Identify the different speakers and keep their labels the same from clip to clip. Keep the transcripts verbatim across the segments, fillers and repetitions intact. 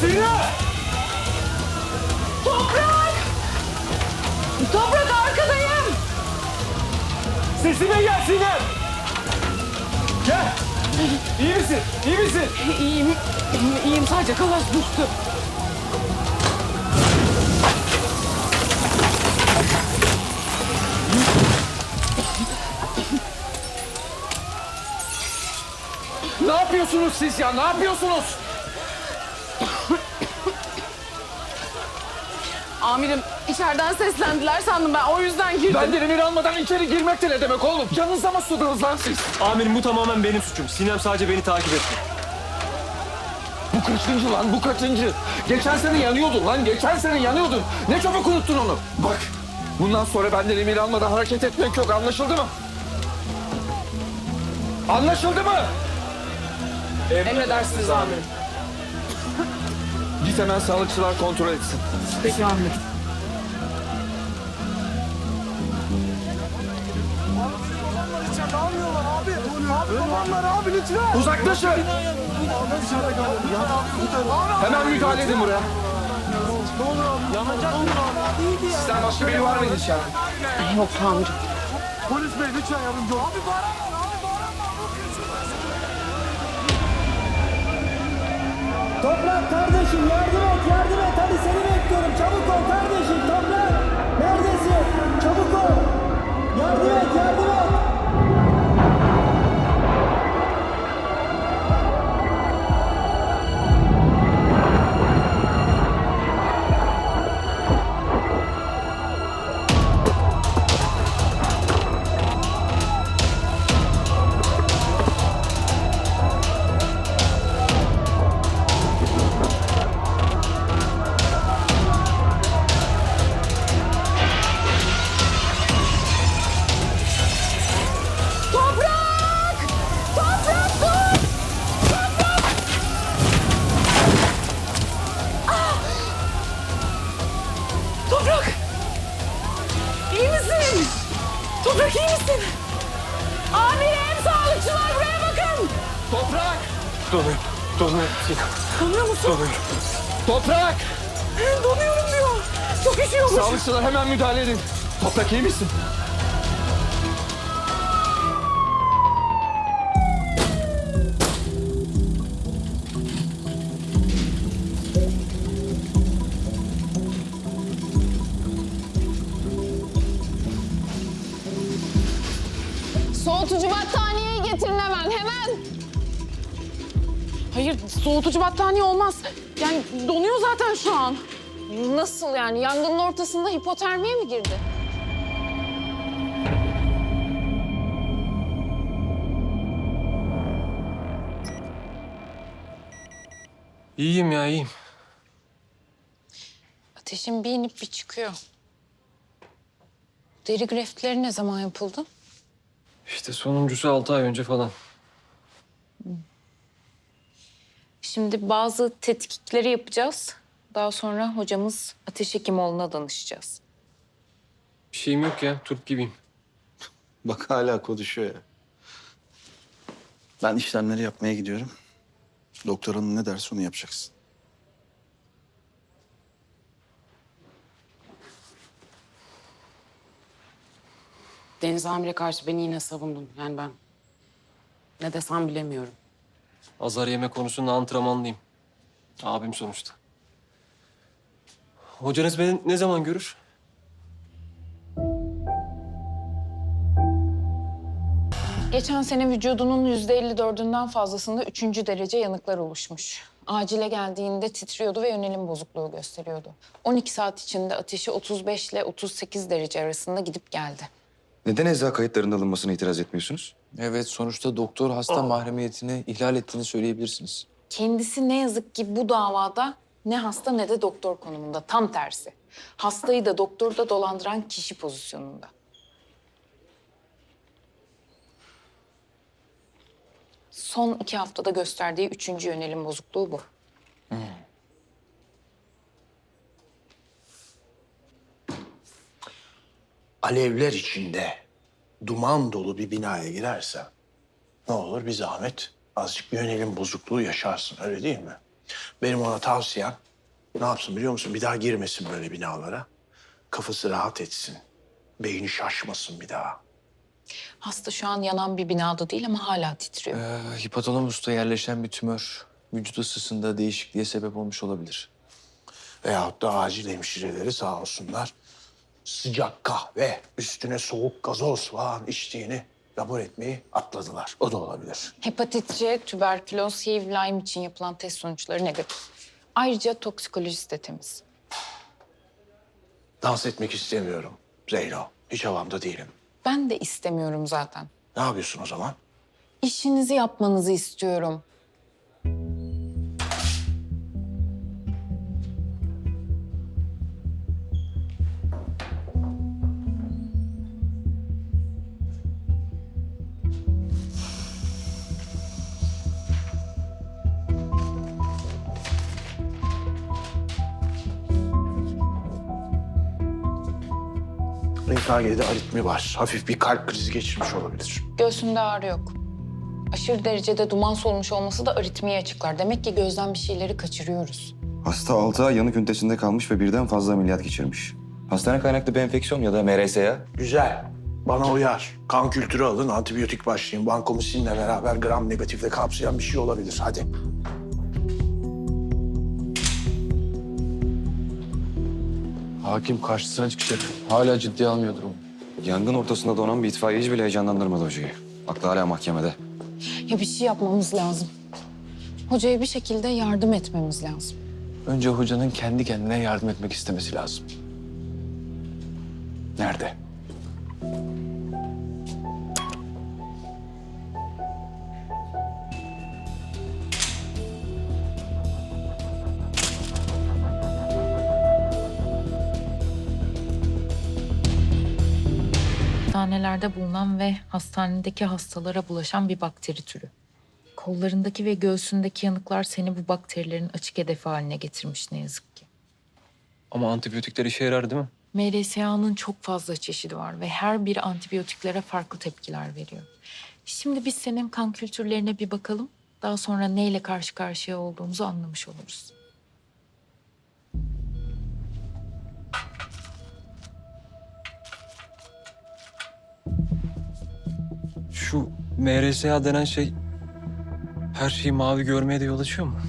Speaker 1: Sinem!
Speaker 2: Toprak! Toprak arkadayım!
Speaker 1: Sesime gel Sinem! Gel! İyi misin? İyi misin?
Speaker 2: İyiyim. İyiyim sadece kalas düştü.
Speaker 1: Ne yapıyorsunuz siz ya? Ne yapıyorsunuz?
Speaker 2: Amirim içeriden seslendiler sandım ben o yüzden girdim.
Speaker 1: Benden emir almadan içeri girmek de ne demek oğlum? Canınıza mı sudunuz lan siz?
Speaker 3: Amirim bu tamamen benim suçum. Sinem sadece beni takip etti.
Speaker 1: Bu kaçıncı lan? Bu kaçıncı? Geçen sene yanıyordun lan. Geçen sene yanıyordun. Ne çabuk unuttun onu. Bak, bundan sonra benden emir almadan hareket etmek yok. Anlaşıldı mı? Anlaşıldı mı?
Speaker 2: Emredersiniz amirim.
Speaker 1: Git hemen sağlıkçılar kontrol etsin.
Speaker 2: Peki amirim.
Speaker 1: Uzaklaşın. Hemen müdahale edin buraya. Sizden başka biri var mıydı içeride?
Speaker 2: Yok amirim.
Speaker 4: Polis bey lütfen yardımcı olun. Abi
Speaker 5: Toprak kardeşim yardım et, yardım et. Hadi seni bekliyorum. Çabuk ol kardeşim. Toprak neredesin? Çabuk ol. Yardım et, yardım et.
Speaker 2: Toprak! Toprak dur! Toprak! Ah! Toprak! İyi misin? Toprak iyi misin? Amirim, sağlıkçılar buraya bakın!
Speaker 1: Toprak!
Speaker 3: Donuyor. Donuyor Sinem.
Speaker 2: Donuyor musun?
Speaker 3: Donuyor.
Speaker 1: Toprak!
Speaker 2: Donuyorum diyor. Çok üşüyormuş.
Speaker 1: Sağlıkçılar hemen müdahale edin. Toprak iyi misin?
Speaker 2: Soğutucu battaniyeyi getirin hemen, hemen. Hayır, soğutucu battaniye olmaz. Yani donuyor zaten şu an. Nasıl yani? Yangının ortasında hipotermiye mi girdi?
Speaker 3: İyiyim ya iyiyim.
Speaker 2: Ateşin bir inip bir çıkıyor. Deri greftleri ne zaman yapıldı?
Speaker 3: İşte sonuncusu altı ay önce falan.
Speaker 2: Şimdi bazı tetkikleri yapacağız. Daha sonra hocamız Ateş Hekimoğlu'na danışacağız.
Speaker 3: Bir şeyim yok ya. Turp gibiyim.
Speaker 6: Bak hala konuşuyor ya. Ben işlemleri yapmaya gidiyorum. Doktor hanım ne derse onu yapacaksın.
Speaker 7: Deniz Amir'e karşı beni yine savundun. Yani ben ne desem bilemiyorum.
Speaker 3: Azar yeme konusunda antrenmanlıyım. Abim sonuçta. Hocanız beni ne zaman görür?
Speaker 2: Geçen sene vücudunun yüzde elli dördünden fazlasında üçüncü derece yanıklar oluşmuş. Acile geldiğinde titriyordu ve yönelim bozukluğu gösteriyordu. on iki saat içinde ateşi otuz beş ile otuz sekiz derece arasında gidip geldi.
Speaker 8: Neden ecza kayıtlarının alınmasına itiraz etmiyorsunuz?
Speaker 9: Evet, sonuçta doktor hasta mahremiyetini ihlal ettiğini söyleyebilirsiniz.
Speaker 2: Kendisi ne yazık ki bu davada ne hasta ne de doktor konumunda. Tam tersi. Hastayı da doktoru da dolandıran kişi pozisyonunda. Son iki haftada gösterdiği üçüncü yönelim bozukluğu bu.
Speaker 10: Alevler içinde duman dolu bir binaya girersen ne olur bir zahmet azıcık bir yönelim bozukluğu yaşarsın öyle değil mi? Benim ona tavsiyem ne yapsın biliyor musun? Bir daha girmesin böyle binalara. Kafası rahat etsin. Beyni şaşmasın bir daha.
Speaker 2: Hasta şu an yanan bir binada değil ama hala titriyor.
Speaker 9: Ee, hipotalamusta yerleşen bir tümör vücut ısısında değişikliğe sebep olmuş olabilir.
Speaker 10: Veyahut da acil hemşireleri sağ olsunlar. Sıcak kahve, üstüne soğuk gazoz falan içtiğini rapor etmeyi atladılar. O da olabilir.
Speaker 2: Hepatit C, tüberküloz, H I V, Lyme için yapılan test sonuçları negatif. Ayrıca toksikolojisi de temiz.
Speaker 10: Dans etmek istemiyorum Zeyno. Hiç havamda değilim.
Speaker 2: Ben de istemiyorum zaten.
Speaker 10: Ne yapıyorsun o zaman?
Speaker 2: İşinizi yapmanızı istiyorum.
Speaker 10: E K G'de aritmi var. Hafif bir kalp krizi geçirmiş olabilir.
Speaker 2: Göğsünde ağrı yok. Aşırı derecede duman solmuş olması da aritmiyi açıklar. Demek ki gözden bir şeyleri kaçırıyoruz.
Speaker 8: Hasta altı ay yanık ünitesinde kalmış ve birden fazla ameliyat geçirmiş. Hastane kaynaklı bir enfeksiyon ya da M R S A.
Speaker 10: Güzel. Bana uyar. Kan kültürü alın, antibiyotik başlayın. Vankomisinle beraber gram negatifle kapsayan bir şey olabilir. Hadi.
Speaker 9: Hakim karşısına çıkacak. Hala ciddiye almıyor durumu.
Speaker 8: Yangın ortasında donan bir itfaiyeci bile heyecanlandırmadı hocayı. Aklı hala mahkemede.
Speaker 2: Ya bir şey yapmamız lazım. Hocaya bir şekilde yardım etmemiz lazım.
Speaker 9: Önce hocanın kendi kendine yardım etmek istemesi lazım.
Speaker 10: Nerede?
Speaker 2: Hastanelerde bulunan ve hastanedeki hastalara bulaşan bir bakteri türü. Kollarındaki ve göğsündeki yanıklar seni bu bakterilerin açık hedefi haline getirmiş ne yazık ki.
Speaker 3: Ama antibiyotikler işe yarar değil mi?
Speaker 2: M R S A'nın çok fazla çeşidi var ve her biri antibiyotiklere farklı tepkiler veriyor. Şimdi biz senin kan kültürlerine bir bakalım. Daha sonra neyle karşı karşıya olduğumuzu anlamış oluruz.
Speaker 3: Şu M R S A denen şey her şeyi mavi görmeye de yol açıyor mu?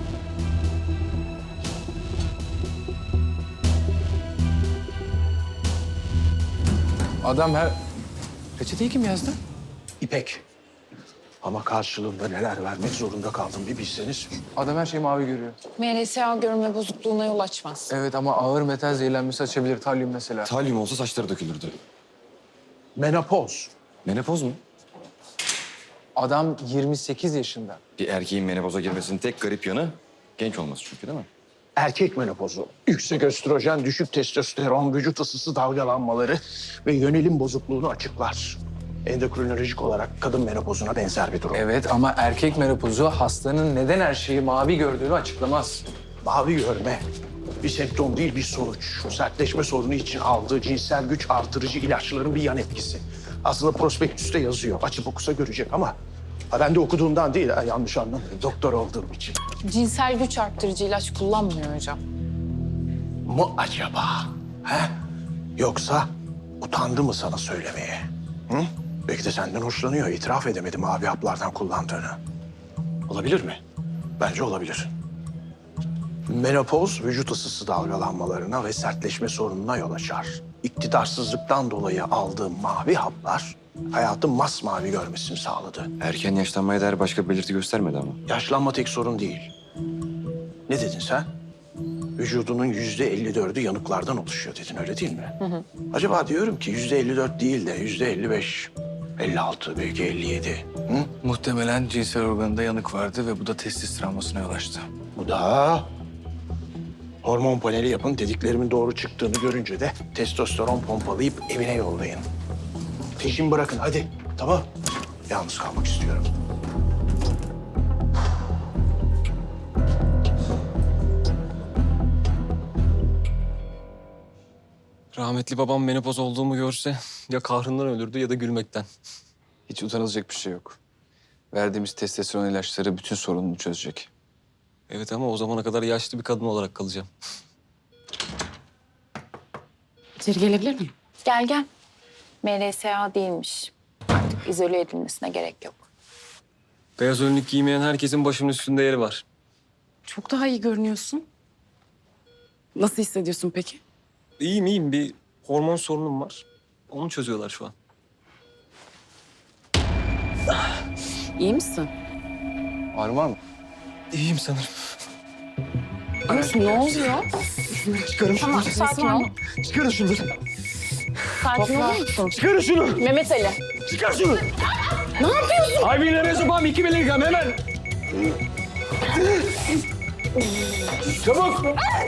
Speaker 9: Adam her... Reçeteyi kim yazdı?
Speaker 10: İpek. Ama karşılığında neler vermek zorunda kaldım bir bilseniz.
Speaker 9: Adam her şeyi mavi görüyor.
Speaker 2: M R S A görme bozukluğuna yol açmaz.
Speaker 9: Evet ama ağır metal zehirlenmesi açabilir. Talyum mesela.
Speaker 8: Talyum olsa saçları dökülürdü.
Speaker 10: Menopoz.
Speaker 8: Menopoz mu?
Speaker 9: Adam yirmi sekiz yaşında.
Speaker 8: Bir erkeğin menopoza girmesinin tek garip yanı genç olması çünkü değil mi?
Speaker 10: Erkek menopozu. Yüksek östrojen, düşük testosteron, vücut ısısı dalgalanmaları ve yönelim bozukluğunu açıklar. Endokrinolojik olarak kadın menopozuna benzer bir durum.
Speaker 9: Evet ama erkek menopozu hastanın neden her şeyi mavi gördüğünü açıklamaz.
Speaker 10: Mavi görme bir semptom değil, bir sonuç. Sertleşme sorunu için aldığı cinsel güç artırıcı ilaçların bir yan etkisi. Aslında prospektüste yazıyor. Açıp okusa görecek ama ha, ben de okuduğumdan değil, ha, yanlış anlamayın. Doktor olduğum için.
Speaker 2: Cinsel güç arttırıcı ilaç kullanmıyor hocam.
Speaker 10: Mu acaba? He? Yoksa utandı mı sana söylemeye? Hı? Belki de senden hoşlanıyor. İtiraf edemedi mavi haplardan kullandığını. Olabilir mi? Bence olabilir. Menopoz vücut ısısı dalgalanmalarına ve sertleşme sorununa yol açar. İktidarsızlıktan dolayı aldığım mavi haplar hayatın masmavi görmesini sağladı.
Speaker 8: Erken yaşlanmaya dair başka bir belirti göstermedi ama.
Speaker 10: Yaşlanma tek sorun değil. Ne dedin sen? Vücudunun yüzde elli dördü yanıklardan oluşuyor dedin, öyle değil mi? Hı hı. Acaba diyorum ki yüzde elli dört değil de yüzde elli beş, elli altı, belki elli yedi. Hı?
Speaker 9: Muhtemelen cinsel organında yanık vardı ve bu da testis travmasına yol açtı.
Speaker 10: Bu da hormon paneli yapın, dediklerimin doğru çıktığını görünce de testosteron pompalayıp evine yollayın. Peşin bırakın hadi, tamam? Yalnız kalmak istiyorum.
Speaker 3: Rahmetli babam menopoz olduğumu görse ya kahrından ölürdü ya da gülmekten.
Speaker 9: Hiç utanılacak bir şey yok. Verdiğimiz testosteron ilaçları bütün sorununu çözecek.
Speaker 3: Evet ama o zamana kadar yaşlı bir kadın olarak kalacağım.
Speaker 7: İçeri gelebilir miyim?
Speaker 2: Gel gel. M R S A değilmiş. Artık izole edilmesine gerek yok.
Speaker 3: Beyaz önlük giymeyen herkesin başımın üstünde yeri var.
Speaker 7: Çok daha iyi görünüyorsun. Nasıl hissediyorsun peki?
Speaker 3: İyiyim iyiyim. Bir hormon sorunum var. Onu çözüyorlar şu an.
Speaker 7: İyi misin?
Speaker 8: Ağrı var mı?
Speaker 3: İyiyim sanırım.
Speaker 7: Anas ne oluyor?
Speaker 3: Çıkarın şunu.
Speaker 2: Tamam, sakin ol.
Speaker 3: Çıkarın şunları.
Speaker 2: Sakin olur musun?
Speaker 3: Çıkarın şunu.
Speaker 2: Mehmet Ali.
Speaker 3: Çıkar şunu. Ne yapıyorsun? Ay bir nefes yapalım. iki miligram hemen. Çabuk.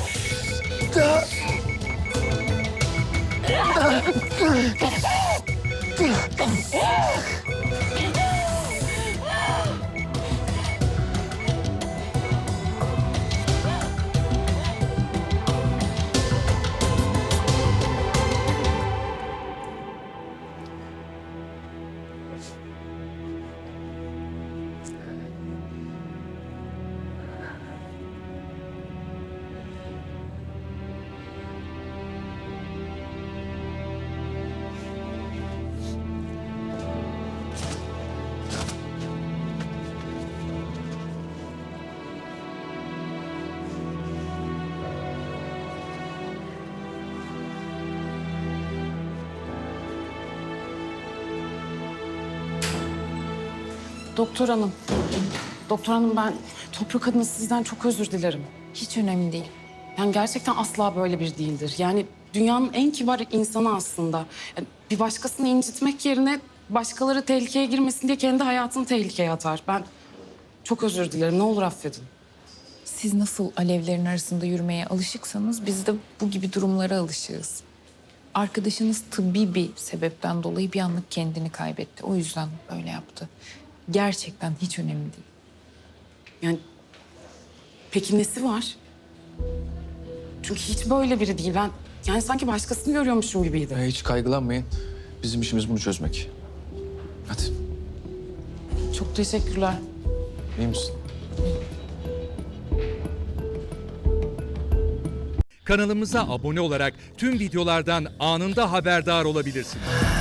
Speaker 7: Doktor hanım. Doktor hanım ben Toprak adına sizden çok özür dilerim.
Speaker 2: Hiç önemli değil.
Speaker 7: Yani gerçekten asla böyle bir değildir. Yani dünyanın en kibar insanı aslında. Yani bir başkasını incitmek yerine başkaları tehlikeye girmesin diye kendi hayatını tehlikeye atar. Ben çok özür dilerim. Ne olur affedin.
Speaker 2: Siz nasıl alevlerin arasında yürümeye alışıksanız biz de bu gibi durumlara alışığız. Arkadaşınız tıbbi bir sebepten dolayı bir anlık kendini kaybetti. O yüzden öyle yaptı. Gerçekten hiç önemli değil.
Speaker 7: Yani peki nesi var? Çünkü hiç böyle biri değil. Ben yani sanki başkasını görüyormuşum gibiydi.
Speaker 9: Ya hiç kaygılanmayın. Bizim işimiz bunu çözmek. Hadi.
Speaker 7: Çok teşekkürler.
Speaker 9: İyi misin?
Speaker 11: Kanalımıza abone olarak tüm videolardan anında haberdar olabilirsiniz.